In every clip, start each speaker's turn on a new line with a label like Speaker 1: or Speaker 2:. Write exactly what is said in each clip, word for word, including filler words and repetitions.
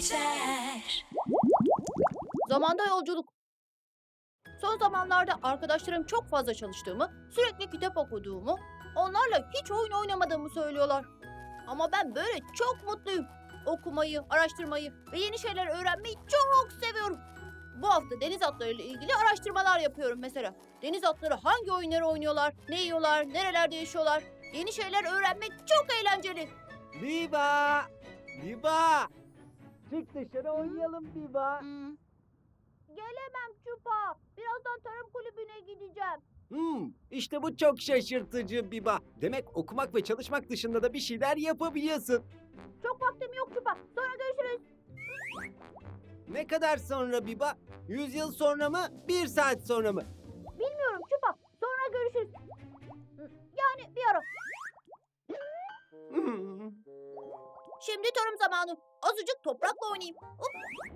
Speaker 1: geçer.
Speaker 2: Zamanda yolculuk. Son zamanlarda arkadaşlarım çok fazla çalıştığımı, sürekli kitap okuduğumu, onlarla hiç oyun oynamadığımı söylüyorlar. Ama ben böyle çok mutluyum. Okumayı, araştırmayı ve yeni şeyler öğrenmeyi çok seviyorum. Bu hafta deniz atlarıyla ilgili araştırmalar yapıyorum mesela. Deniz atları hangi oyunları oynuyorlar, ne yiyorlar, nerelerde yaşıyorlar? Yeni şeyler öğrenmek çok eğlenceli.
Speaker 3: Biba! Biba! Çık dışarı oynayalım Biba.
Speaker 2: Hmm. Gelemem Çupa. Birazdan tarım kulübüne gideceğim.
Speaker 3: Hmm, işte bu çok şaşırtıcı Biba. Demek okumak ve çalışmak dışında da bir şeyler yapabiliyorsun.
Speaker 2: Çok vaktim yok Çupa. Sonra görüşürüz.
Speaker 3: Ne kadar sonra Biba? Yüz yıl sonra mı? Bir saat sonra mı?
Speaker 2: Bilmiyorum Çupa. Sonra görüşürüz. Yani bir ara.
Speaker 3: Hmm.
Speaker 2: Şimdi tarım zamanı. Azıcık toprakla oynayayım. Hop.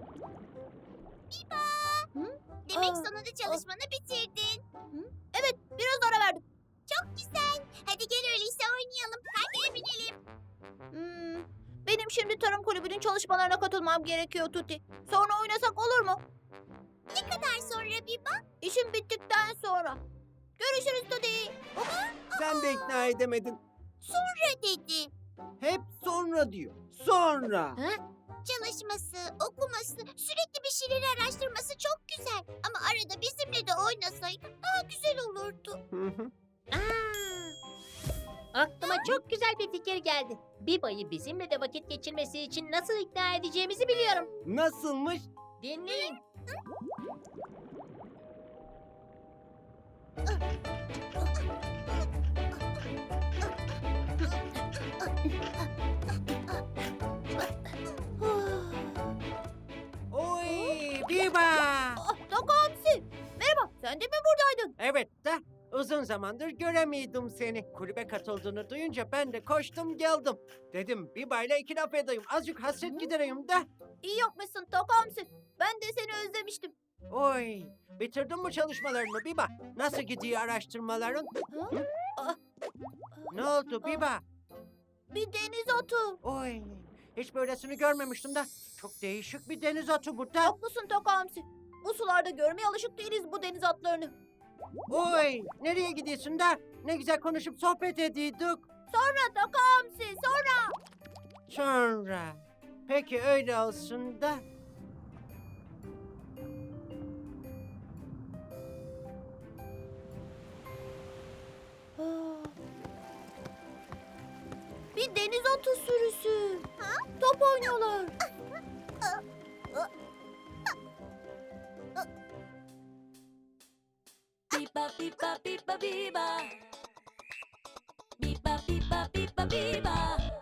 Speaker 4: Demek
Speaker 2: Aa,
Speaker 4: sonunda çalışmanı bitirdin.
Speaker 2: Evet, biraz ara verdim.
Speaker 4: Çok güzel. Hadi gel öyleyse oynayalım. Hadi binelim.
Speaker 2: Hmm, benim şimdi tarım kulübünün çalışmalarına katılmam gerekiyor Tuti. Sonra oynasak olur mu?
Speaker 4: Ne kadar sonra Biba?
Speaker 2: İşim bittikten sonra. Görüşürüz Tuti. Hop.
Speaker 3: Sen de ikna edemedin.
Speaker 4: Sonra dedi.
Speaker 3: Hep sonra diyor. Sonra.
Speaker 4: Çalışması, okuması, sürekli bir şeyleri araştırması çok güzel. Ama arada bizimle de oynasaydı daha güzel olurdu.
Speaker 3: Hı hı.
Speaker 5: Aklıma çok güzel bir fikir geldi. Biba'yı bizimle de vakit geçirmesi için nasıl ikna edeceğimizi biliyorum.
Speaker 3: Nasılmış?
Speaker 5: Dinleyin.
Speaker 3: Oy Biba!
Speaker 2: Ah, Taka Hamsi. Merhaba, sen de mi buradaydın?
Speaker 3: Evet de uzun zamandır göremiyordum seni. Kulübe katıldığını duyunca ben de koştum geldim. Dedim Biba ile iki laf edeyim. Azıcık hasret gidereyim de.
Speaker 2: İyi yapmışsın Taka Hamsi. Ben de seni özlemiştim.
Speaker 3: Oy, bitirdin mi çalışmalarını Biba? Nasıl gidiyor araştırmaların?
Speaker 2: Ha?
Speaker 3: Hı?
Speaker 2: Ah,
Speaker 3: Ne oldu Biba?
Speaker 2: bir deniz atı.
Speaker 3: Oy, hiç böylesini görmemiştim de. Çok değişik bir deniz atı bu da.
Speaker 2: Haklısın Taka Hamsi. Bu sularda görmeye alışık değiliz bu deniz atlarını.
Speaker 3: Oy, nereye gidiyorsun da? Ne güzel konuşup sohbet ediyorduk.
Speaker 2: Sonra Taka Hamsi, sonra.
Speaker 3: Sonra. Peki öyle olsun da.
Speaker 2: Ah. Bir deniz atı sürüsü. Top oynuyorlar.
Speaker 1: Biba biba biba biba. Biba biba biba biba.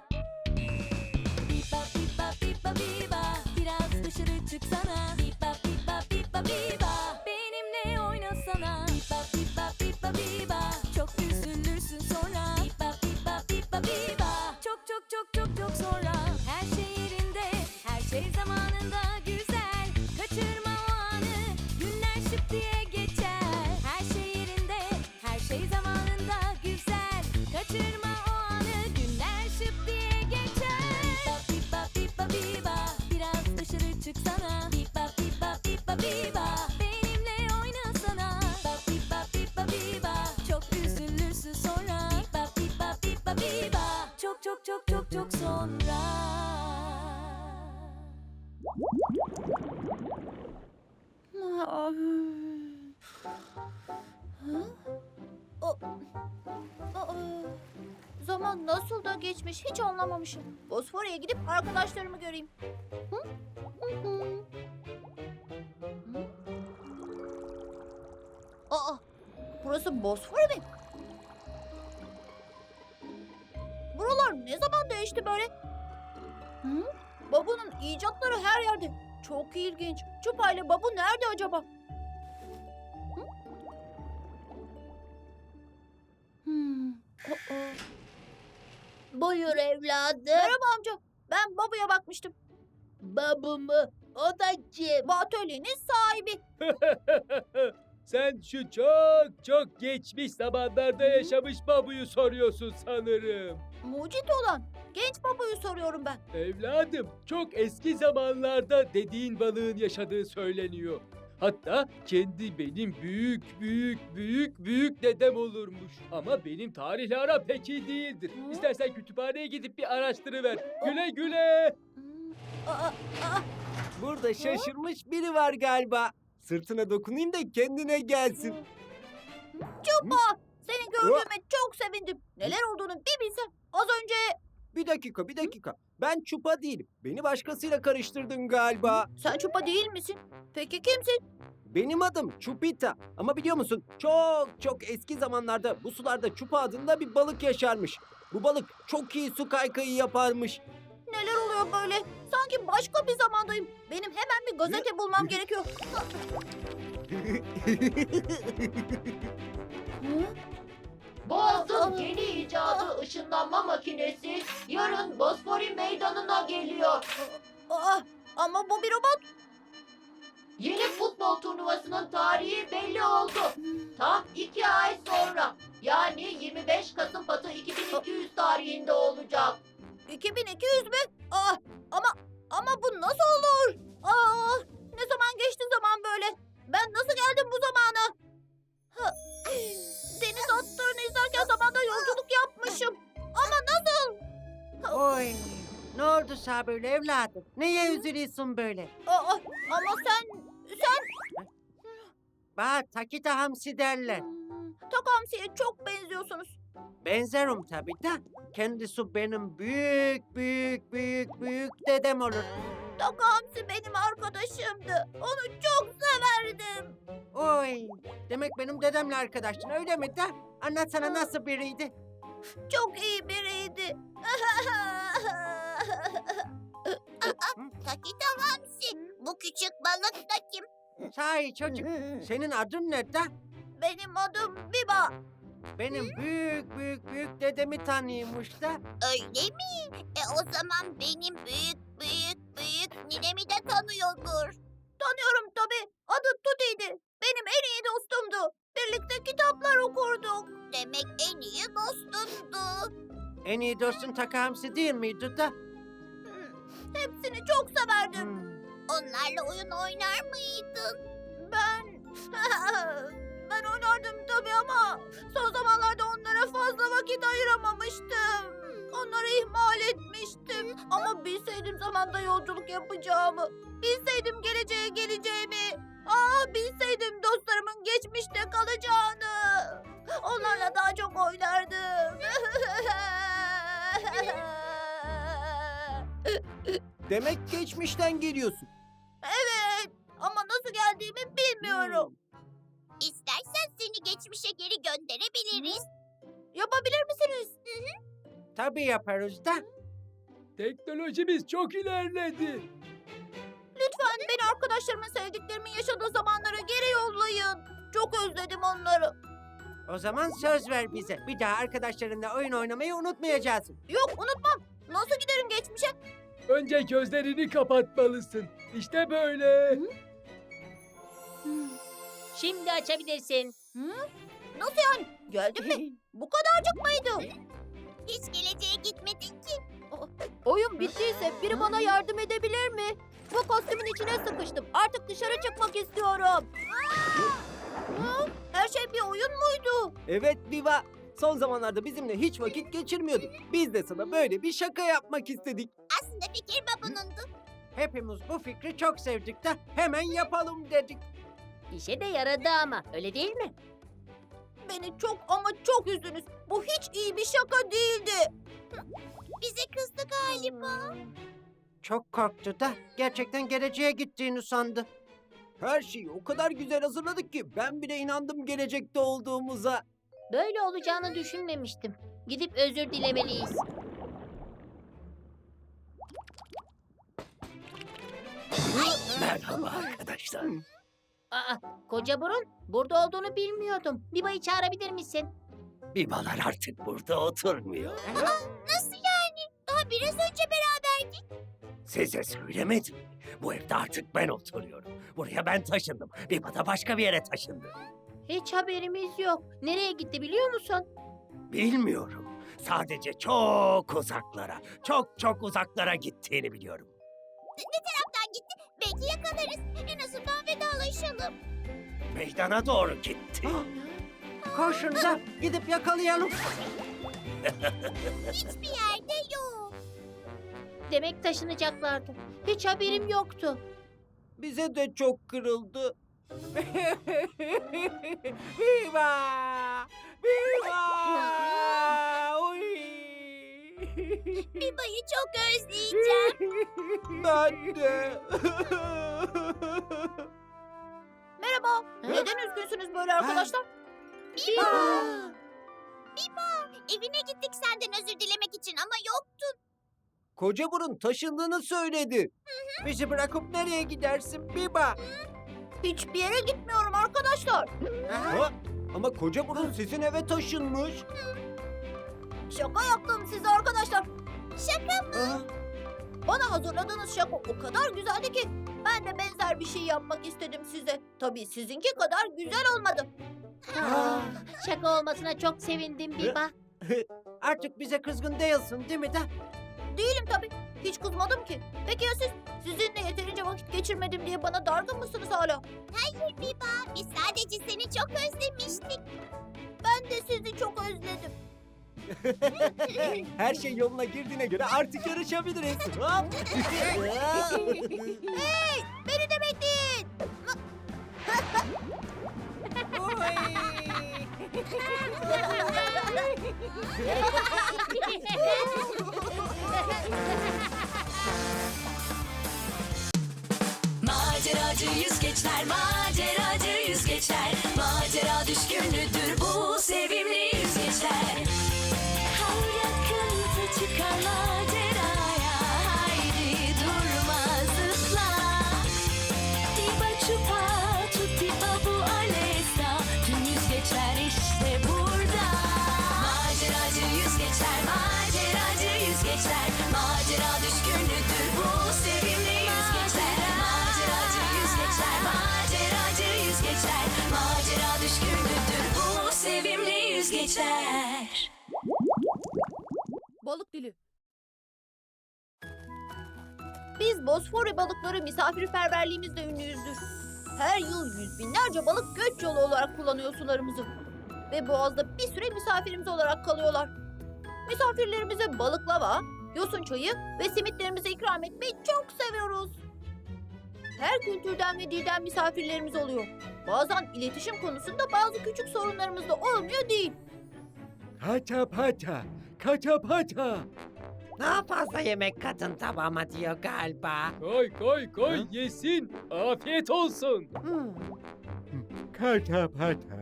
Speaker 1: Biba biba biba biba. Biraz dışarı çıksana. Biba biba biba biba. Benimle oynasana. Biba biba biba biba. Çok üzülürsün sonra. Biba biba biba biba. Çok çok çok çok çok sonra. Her şey yerinde, her şey zamanında güzel. Kaçırma o anı, günler şıp diye geçer. Her şey yerinde, her şey zamanında güzel. Kaçırma o anı, günler şıp diye geçer. Biba biba biba biba, biraz dışarı çıksana. Biba biba biba biba, benimle oynasana. Biba biba biba biba, çok üzülürsün sonra. Biba biba biba biba, çok çok çok çok çok sonra.
Speaker 2: Ah. Ha? O- Aa, zaman nasıl da geçmiş hiç anlamamışım. Bosfor'a gidip arkadaşlarımı göreyim. Hı? Hı hı. Hı? Aa, burası Bosfor mi? Buralar ne zaman değişti böyle? Hı? Babu'nun icatları her yerde. Çok ilginç. Çupa ile Babu nerede acaba? Hı? Hmm. aa.
Speaker 5: Buyur evladım.
Speaker 2: Merhaba amca. Ben Babu'ya bakmıştım.
Speaker 5: Babu mu? O da kim?
Speaker 2: Bu atölyenin sahibi.
Speaker 6: Sen şu çok çok geçmiş zamanlarda yaşamış babuyu soruyorsun sanırım.
Speaker 2: Mucit olan genç babayı soruyorum ben.
Speaker 6: Evladım, çok eski zamanlarda dediğin balığın yaşadığı söyleniyor. Hatta kendi benim büyük büyük büyük büyük dedem olurmuş. Ama benim tarihle aram pek iyi değildir.
Speaker 2: Hı?
Speaker 6: İstersen kütüphaneye gidip bir araştırıver. Güle güle.
Speaker 2: Hmm, Aa, aa,
Speaker 3: Burada şaşırmış biri var galiba. Sırtına dokunayım da kendine gelsin.
Speaker 2: Çupa! Seni gördüğüme çok sevindim. Neler olduğunu bir bilsem. Az önce
Speaker 3: Bir dakika, bir dakika. Ben Çupa değilim. Beni başkasıyla karıştırdın galiba.
Speaker 2: sen Çupa değil misin? Peki kimsin?
Speaker 3: Benim adım Çupita. Ama biliyor musun? Çok çok eski zamanlarda bu sularda Çupa adında bir balık yaşarmış. Bu balık çok iyi su kaykayı yaparmış.
Speaker 2: Neler oluyor böyle? Sanki başka bir zamandayım. Benim hemen bir gazete bulmam gerekiyor. Hı?
Speaker 7: Boğaz'ın yeni icadı ışınlanma makinesi yarın Bosfori meydanına geliyor.
Speaker 2: Aa, ama bu bir robot.
Speaker 7: Yeni futbol turnuvasının tarihi belli oldu. Tam iki ay sonra yani yirmi beş Kasım Batı iki bin iki yüz tarihinde olacak.
Speaker 2: iki bin iki yüz mü? Aa, ama ama bu nasıl olur? Aa, ne zaman geçti zaman böyle? Ben nasıl geldim bu zamana? Ha, deniz atlarını izlerken zamanda yolculuk yapmışım. Ama nasıl?
Speaker 3: Oy. Ne oldu sana böyle evladım? Neye üzülüyorsun böyle?
Speaker 2: Aa, ama sen sen
Speaker 3: Bak Takita Hamsi derler.
Speaker 2: Hmm, Takamsi'ye çok benziyorsunuz.
Speaker 3: Benzerim tabii de. Kendisi benim büyük büyük büyük büyük dedem olur.
Speaker 2: Takamsi benim arkadaşımdı. Onu çok severdim.
Speaker 3: Oy. Demek benim dedemle arkadaştın öyle mi de? Anlatsana nasıl biriydi?
Speaker 2: Çok iyi biriydi.
Speaker 4: Takita Hamsi. Bu küçük balık da kim?
Speaker 3: Sahi çocuk. Senin adın ne de?
Speaker 2: Benim adım Biba.
Speaker 3: Benim büyük büyük büyük dedemi tanıyormuş da.
Speaker 4: Öyle mi? E o zaman benim büyük büyük büyük ninemi de tanıyordur.
Speaker 2: Tanıyorum tabii. Adı Tuti'ydi. Benim en iyi dostumdu. Birlikte kitaplar okurduk.
Speaker 4: Demek en iyi dostundu.
Speaker 3: En iyi dostun Taka Hamsi değil miydi da?
Speaker 2: Hmm, Hepsini çok severdim.
Speaker 3: Hmm.
Speaker 4: Onlarla oyun oynar mıydın?
Speaker 2: Ben... ben oynardım tabii ama son zamanlarda onlara fazla vakit ayıramamıştım. Onları ihmal etmiştim. Ama bilseydim zamanda yolculuk yapacağımı, bilseydim geleceğe geleceğimi, ah bilseydim dostlarımın geçmişte kalacağını, onlarla daha çok oynardım.
Speaker 3: Demek geçmişten geliyorsun.
Speaker 2: Evet, ama nasıl geldiğimi bilmiyorum.
Speaker 4: İstersen seni geçmişe geri gönderebiliriz.
Speaker 2: Yapabilir misiniz?
Speaker 3: Tabii yaparız da.
Speaker 6: Teknolojimiz çok ilerledi.
Speaker 2: Lütfen beni arkadaşlarımın sevdiklerimin yaşadığı zamanlara geri yollayın. Çok özledim onları.
Speaker 3: O zaman söz ver bize. Bir daha arkadaşlarınla oyun oynamayı unutmayacaksın.
Speaker 2: Yok unutmam. Nasıl giderim geçmişe?
Speaker 6: Önce gözlerini kapatmalısın. İşte böyle.
Speaker 5: Şimdi açabilirsin.
Speaker 2: Nasıl yani? Geldin mi? Bu kadarcık mıydı?
Speaker 4: Hiç geleceğe gitmedin ki.
Speaker 2: Oyun bittiyse biri bana yardım edebilir mi? Bu kostümün içine sıkıştım. Artık dışarı çıkmak istiyorum. Hı? Her şey bir oyun muydu?
Speaker 3: Evet Viva. Son zamanlarda bizimle hiç vakit geçirmiyordun. Biz de sana böyle bir şaka yapmak istedik.
Speaker 4: Aslında fikir babunundu.
Speaker 3: Hepimiz bu fikri çok sevdik de hemen yapalım dedik.
Speaker 5: İşe de yaradı ama öyle değil mi?
Speaker 2: Beni çok ama çok üzdünüz. Bu hiç iyi bir şaka değildi.
Speaker 4: Bize kızdı galiba.
Speaker 3: Çok korktu da gerçekten geleceğe gittiğini sandı. Her şeyi o kadar güzel hazırladık ki ben bile inandım gelecekte olduğumuza.
Speaker 5: Böyle olacağını düşünmemiştim. Gidip özür dilemeliyiz.
Speaker 8: Merhaba arkadaşlar.
Speaker 5: Aa, koca burun, burada olduğunu bilmiyordum. Biba'yı çağırabilir misin?
Speaker 8: Bibalar artık burada oturmuyor.
Speaker 4: Nasıl yani? Daha biraz önce beraberdik.
Speaker 8: Size söylemedim. Bu evde artık ben oturuyorum. Buraya ben taşındım. Biba da başka bir yere taşındı.
Speaker 5: Hiç haberimiz yok. Nereye gitti biliyor musun?
Speaker 8: Bilmiyorum. Sadece çok uzaklara, çok çok uzaklara gittiğini biliyorum.
Speaker 4: Taraftan gitti. Belki yakalarız. En azından vedalaşalım.
Speaker 8: Meydana doğru gitti.
Speaker 3: Koşun da gidip yakalayalım.
Speaker 4: Hiçbir yerde yok.
Speaker 5: Demek taşınacaklardı. Hiç haberim yoktu.
Speaker 3: Bize de çok kırıldı. Viva! Viva! Oy!
Speaker 4: Biba'yı çok özleyeceğim.
Speaker 3: Ben de.
Speaker 2: Merhaba. Neden üzgünsünüz böyle arkadaşlar?
Speaker 4: Biba! Biba! Evine gittik senden özür dilemek için ama yoktun.
Speaker 3: Koca burun taşındığını söyledi. Bizi bırakıp nereye gidersin Biba?
Speaker 2: Hiçbir yere gitmiyorum arkadaşlar.
Speaker 3: Ha? Ama koca burun sizin eve taşınmış.
Speaker 2: Şaka yaptım size arkadaşlar.
Speaker 4: Şaka mı?
Speaker 3: Aa,
Speaker 2: Bana hazırladığınız şaka o kadar güzeldi ki ben de benzer bir şey yapmak istedim size. Tabii sizinki kadar güzel olmadı.
Speaker 5: Aa, şaka olmasına çok sevindim Biba.
Speaker 3: Artık bize kızgın değilsin değil mi de?
Speaker 2: Değilim tabii. Hiç kızmadım ki. Peki ya siz? Sizinle yeterince vakit geçirmedim diye bana dargın mısınız hala?
Speaker 4: Hayır Biba. Biz sadece seni çok özlemiştik.
Speaker 2: Ben de sizi çok özledim.
Speaker 3: Her şey yoluna girdiğine göre artık yarışabiliriz. Hop.
Speaker 2: Hey! Beni de bekleyin.
Speaker 1: Maceracı yüzgeçler, maceracı yüzgeçler, macera düşkünüdür bu sevimli yüzgeçler. Her yakınsa çıkar maceraya, haydi durma zıpla. Diba çupa, tutti bu alesta, tüm yüzgeçler işte burada. Maceracı yüzgeçler, maceracı yüzgeçler, macera düşkünüdür bu sevimli yüzgeçler. Maceracı yüzgeçler, maceracı yüzgeçler, macera düşkünüdür bu sevimli yüzgeçler.
Speaker 2: Balık dili. Biz Bosfor balıkları misafirperverliğimizle ünlüyüzdür. Her yıl yüz binlerce balık göç yolu olarak kullanıyor sularımızı. Ve Boğaz'da bir süre misafirimiz olarak kalıyorlar. Misafirlerimize balıklava, yosun çayı ve simitlerimizi ikram etmeyi çok seviyoruz. Her kültürden ve dilden misafirlerimiz oluyor. Bazen iletişim konusunda bazı küçük sorunlarımız da olmuyor değil.
Speaker 6: Kata pata, kata pata.
Speaker 3: Daha fazla yemek kadın tabağıma diyor galiba.
Speaker 6: Koy koy koy yesin. Afiyet olsun.
Speaker 3: Hmm.
Speaker 6: Kata pata.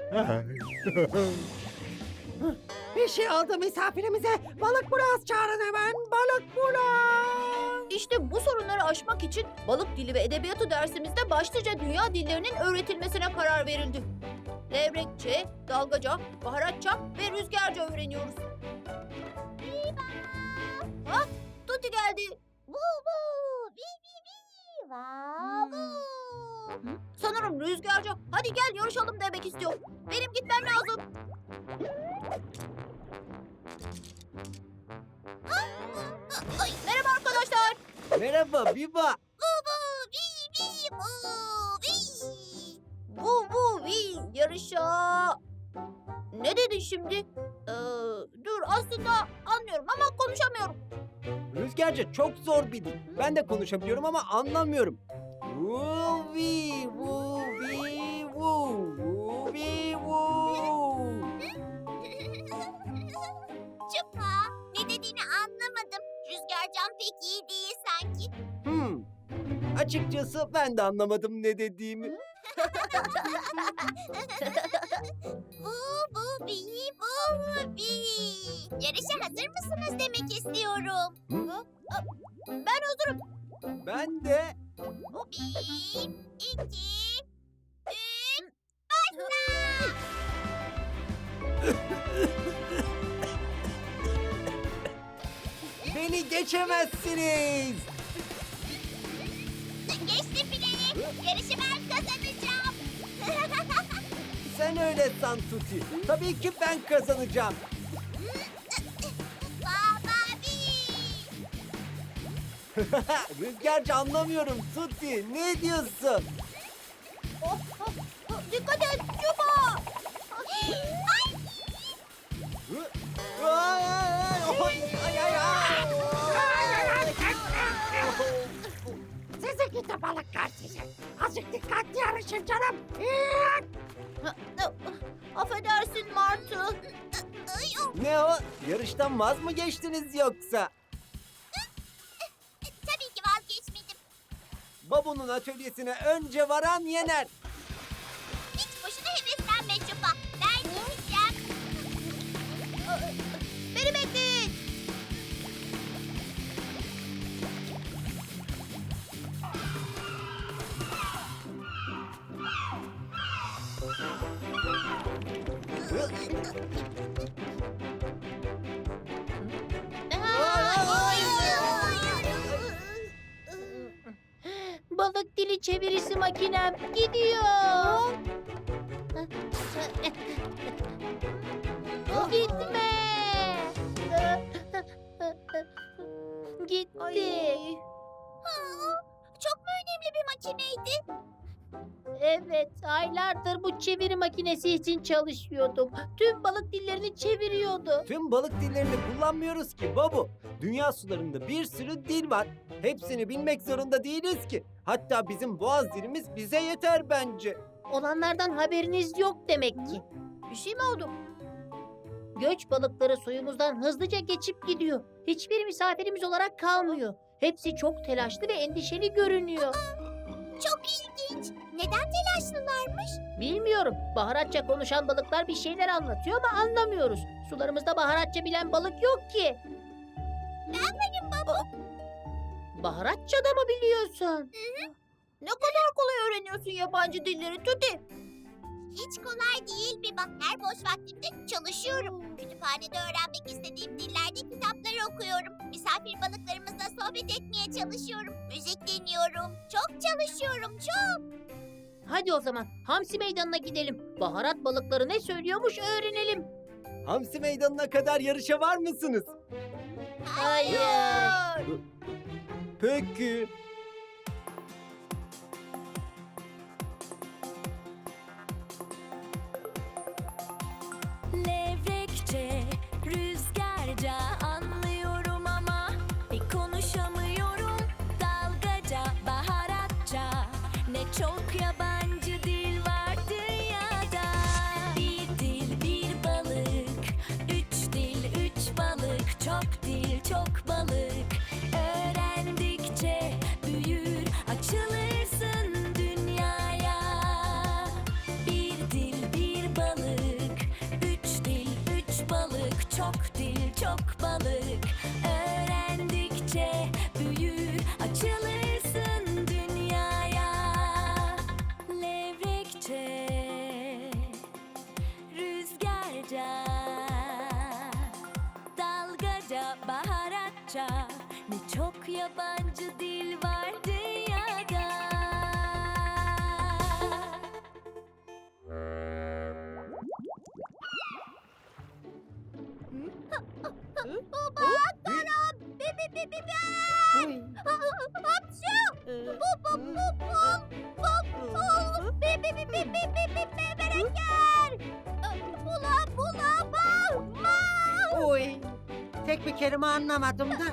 Speaker 3: Bir şey oldu misafirimize. Balık biraz çağırın hemen. Balık biraz.
Speaker 2: İşte bu sorunları aşmak için balık dili ve edebiyatı dersimizde başlıca dünya dillerinin öğretilmesine karar verildi. Levrekçe, dalgaca, baharatça ve rüzgarca öğreniyoruz. Ha, Tuti geldi.
Speaker 4: Bu bu. Bi bi bi. Va bu.
Speaker 2: Sanırım rüzgarca. Hadi gel yarışalım demek istiyor. Benim gitmem lazım.
Speaker 4: Ay,
Speaker 2: Merhaba arkadaşlar.
Speaker 3: Merhaba Biba.
Speaker 4: bu bu. Bi bi bu. Bi.
Speaker 2: Bu bu vi yarışa. Ne dedin şimdi? Ee, dur aslında anlıyorum ama konuşamıyorum.
Speaker 3: Rüzgarca çok zor bir dil. Ben de konuşabiliyorum ama anlamıyorum. Vuvi vuvi vu vuvi vu.
Speaker 4: Çupa. Ne dediğini anlamadım. Rüzgarcan pek iyi değil sanki.
Speaker 3: Hmm. Açıkçası ben de anlamadım ne dediğimi.
Speaker 4: Bu bu bi bu bi. Yarışa hazır mısınız demek istiyorum.
Speaker 3: Hı?
Speaker 2: Ben hazırım.
Speaker 3: Ben de.
Speaker 4: Bir, iki, üç, başla!
Speaker 3: Beni geçemezsiniz.
Speaker 4: Geçtim bile. Yarışı ben kazanacağım.
Speaker 3: Sen öyle san Tuti. Tabii ki ben kazanacağım.
Speaker 4: Baba bir.
Speaker 3: Rüzgarcı anlamıyorum Tuti. Ne diyorsun?
Speaker 2: Oh, oh, oh, dikkat et Çupa.
Speaker 3: Ay, ay, ay, ay, ay, ay.
Speaker 9: Sizi gidi balıklar sizi. Azıcık dikkatli yarışın canım.
Speaker 2: Affedersin Martı.
Speaker 3: Ne o? Yarıştan vaz mı geçtiniz yoksa?
Speaker 4: Tabii ki vazgeçmedim.
Speaker 3: Babu'nun atölyesine önce varan yener.
Speaker 4: Hiç boşuna heveslenme Çupa. Ben gideceğim.
Speaker 2: Beni bekleyin.
Speaker 5: Balık dili çevirisi makinem gidiyor. Gitme. Gitti.
Speaker 2: Ay.
Speaker 4: Çok mu önemli bir makineydi?
Speaker 5: Evet, aylardır bu çeviri makinesi için çalışıyordum. Tüm balık dillerini çeviriyordu.
Speaker 3: Tüm balık dillerini kullanmıyoruz ki Babu. Dünya sularında bir sürü dil var. Hepsini bilmek zorunda değiliz ki. Hatta bizim boğaz dilimiz bize yeter bence.
Speaker 5: Olanlardan haberiniz yok demek ki.
Speaker 2: Bir şey mi oldu?
Speaker 5: Göç balıkları suyumuzdan hızlıca geçip gidiyor. Hiçbir misafirimiz olarak kalmıyor. Hepsi çok telaşlı ve endişeli görünüyor.
Speaker 4: Çok ilginç. Neden telaşlılarmış?
Speaker 5: Bilmiyorum. Baharatça konuşan balıklar bir şeyler anlatıyor ama anlamıyoruz. Sularımızda baharatça bilen balık yok ki.
Speaker 4: Ben varım baba.
Speaker 5: Baharatça da mı biliyorsun?
Speaker 2: Ne kadar kolay öğreniyorsun yabancı dilleri Tuti.
Speaker 4: Hiç kolay değil bir bak. Her boş vaktimde çalışıyorum. Kütüphanede öğrenmek istediğim dillerde kitaplar okuyorum. Misafir balıklarımızla sohbet etmeye çalışıyorum. Müzik dinliyorum. Çok çalışıyorum, çok.
Speaker 5: Hadi o zaman Hamsi Meydanı'na gidelim. Baharat balıkları ne söylüyormuş öğrenelim.
Speaker 3: Hamsi meydanına kadar yarışa var mısınız?
Speaker 5: Hayır.
Speaker 3: Peki.
Speaker 1: Levrekçe, rüzgarca anlıyorum ama bir konuşamıyorum. Dalgaca, baharatça, ne çok yabancı dil var dünyada. Bir dil, bir balık, üç dil, üç balık, çok dil, çok balık. Öğrendikçe büyür, açılırsın dünyaya. Bir dil, bir balık, üç dil, üç balık, çok dil, çok balık. Öğrendikçe büyür, açılırsın dünyaya. Levrekçe, rüzgarca, dalgaca, baharatça, ne çok yabancı dil var dünyada.
Speaker 4: Baba, Karam, bi bi bi bi bi. Hapşu, bu bu bu bu, bu bu, bi bi bi bi bi bi bi bi bereker. Bula bula ba, ma.
Speaker 9: Oy. Tek bir kelime anlamadım da.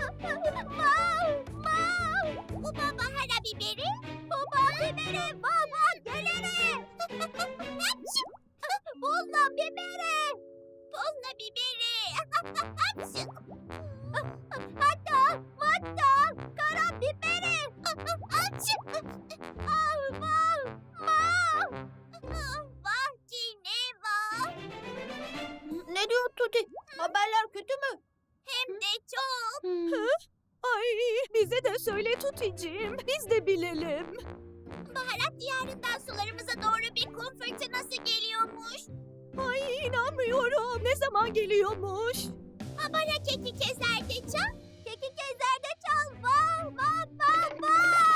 Speaker 4: Bu baba hara biberi, baba biberi, baba gelere. Hapşu, bulla biberi, bulla biberi. Hapşu. Hatta, hatta, kara biberi. Hapşu. Ah, vah, vah. Vah Cineva.
Speaker 2: Ne diyor Tuti? Haberler kötü mü?
Speaker 4: Hem de çok.
Speaker 10: Ay bize de söyle Tuticiğim. Biz de bilelim.
Speaker 4: Baharat diyarından sularımıza doğru bir kum fırtınası geliyormuş.
Speaker 10: Ay inanmıyorum. Ne zaman geliyormuş?
Speaker 4: Habara keki kezerde çal, keki kezerde çal. Vah vah vah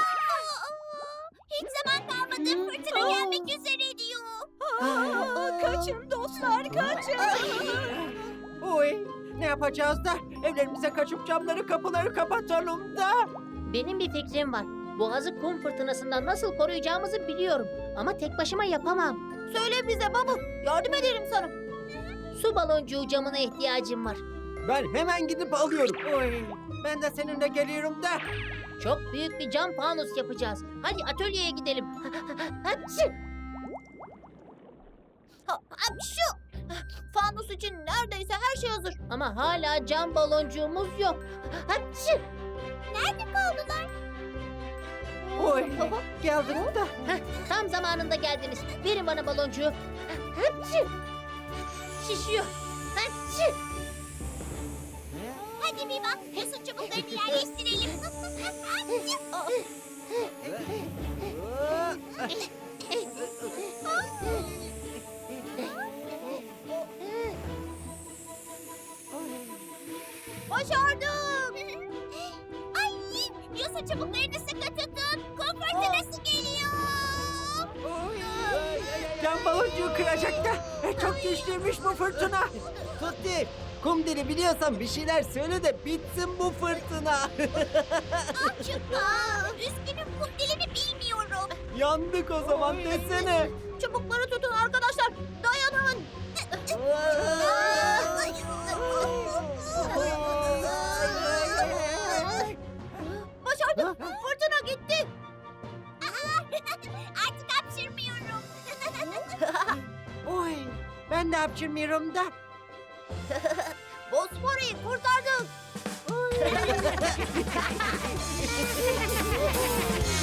Speaker 4: vah. Hiç zaman kalmadı. Fırtına gelmek üzere diyor.
Speaker 10: Aa, Kaçın dostlar kaçın.
Speaker 3: Oy, ne yapacağız da? Evlerimize kaçıp camları kapıları kapatalım da.
Speaker 5: Benim bir fikrim var. Boğazı kum fırtınasından nasıl koruyacağımızı biliyorum. Ama tek başıma yapamam.
Speaker 2: Söyle bize Babu. Yardım ederim sana.
Speaker 5: Su baloncuğu camına ihtiyacım var.
Speaker 3: Ben hemen gidip alıyorum. Oy, ben de seninle geliyorum da.
Speaker 5: Çok büyük bir cam fanus yapacağız. Hadi atölyeye gidelim. Hapşi!
Speaker 2: Ha, ha, şu. Fanus için neredeyse her şey hazır.
Speaker 5: Ama hala cam baloncuğumuz yok. Hapşi!
Speaker 4: Nerede kaldılar?
Speaker 3: Oy, geldim da.
Speaker 5: Heh, tam zamanında geldiniz. Verin bana baloncuğu. Hapşi! Şişiyor. Hapşi!
Speaker 4: Hadi bir bak. Yosun çubuklarını yerleştirelim.
Speaker 2: Başardım.
Speaker 4: Ay, yosun çubuklarını sıkı tutun. Kum fırtınası geliyor.
Speaker 3: Cam baloncuğu kıracak da. E, Çok güçlüymüş bu fırtına. Tutti, kum dili biliyorsan bir şeyler söyle de bitsin bu fırtına.
Speaker 4: Çupa. Üzgünüm, kum dilini bilmiyorum.
Speaker 3: Yandık o zaman desene.
Speaker 2: Çubukları tutun arkadaşlar. Dayanın. Başardım. Fırtına gitti.
Speaker 4: Artık hapşırmıyorum.
Speaker 3: Oy, ben de hapşırmıyorum da.
Speaker 2: Bosfor'u kurtardık.